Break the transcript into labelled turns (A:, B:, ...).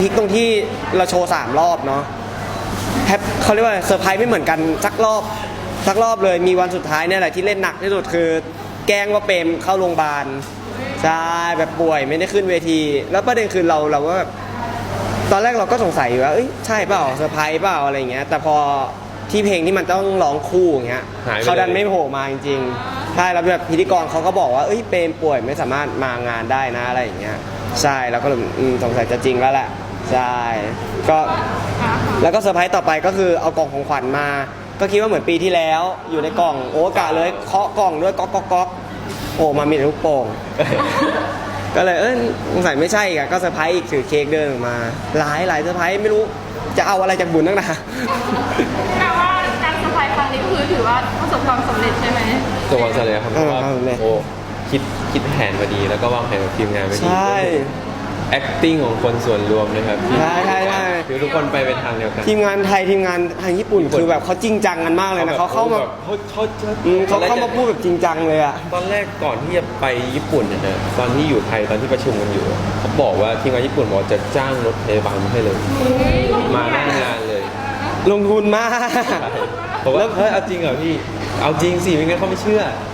A: พีคตรงที่เราโชว์3 รอบเนาะเขาเรียกว่าเซอร์ไพรส์ไม่เหมือนกันสักรอบเลยมีวันสุดท้ายเนี่ยแหละที่เล่นหนักที่สุดคือแกล้งว่าเปรมเข้าโรงพยาบาลใช่แบบป่วยไม่ได้ขึ้นเวทีแล้วประเด็นคือเราก็แบบตอนแรกเราก็สงสัยอยู่ว่าเอ้ยใช่เปล่าเซอร์ไพรส์เปล่าอะไรเงี้ยแต่พอที่เพลงที่มันต้องร้องคู่อย่างเงี้ยเขาดันไม่โผล่มาจริงๆใช่แล้วแบบพิธีกรเขาก็บอกว่าเอ้ยเปรมป่วยไม่สามารถมางานได้นะอะไรอย่างเงี้ยใช่แล้วก็เลยสงสัยจะจริงแล้วแหละใช่ก็แล้วก็เซอร์ไพรส์ต่อไปก็คือเอากล่องของขวัญมาก็คิดว่าเหมือนปีที่แล้วอยู่ในกล่องโอ้กะเลยเคาะกล่องด้วยก๊อกก๊อกก๊อกโอ้มามีแต่ลูกโป่ง ก็เลยสงสัยไม่ใช่อีกอะก็เซอร์ไพรส์อีกถือเค้กเดินออกมาหลายเซอร์ไพรส์ไม่รู้จะเอาอะไรจากบุญนักหนา
B: แปลว่าการเซอร์ไพรส์ครั้งนี้ก็คือถือว่าประสบความสำเร็จใช่ไหม
C: ตัววันเสาร์ครับเพราะว่า
A: โอ้
C: คิดแผนมาดีแล้วก็วางแผนกับทีมงานมาดี
A: ใช่
C: acting ของคนส่วนรวมนะครับ
A: ใช่
C: คือทุกคนไปเป็นทางเดียวกัน
A: ทีมงานไทยทีมงานทางญี่ปุ่นคือแบบเขาจริงจังกันมากเลยนะเขาเข้ามาเขาเข้ามาพูดแบบจริงจังเลยอะ
C: ตอนแรกก่อนที่จะไปญี่ปุ่นเนี่ยนะตอนที่อยู่ไทยตอนที่ประชุมกันอยู่เขาบอกว่าทีมงานญี่ปุ่นบอกจะจ้างรถพยาบาลมาให้เลยมาหน้างานเลย
A: ลงทุนมาก
C: ผมว่าเฮ้ยเอาจริงเหรอพี่เอาจริงสิไม่งั้นเขาไม่เชื่อ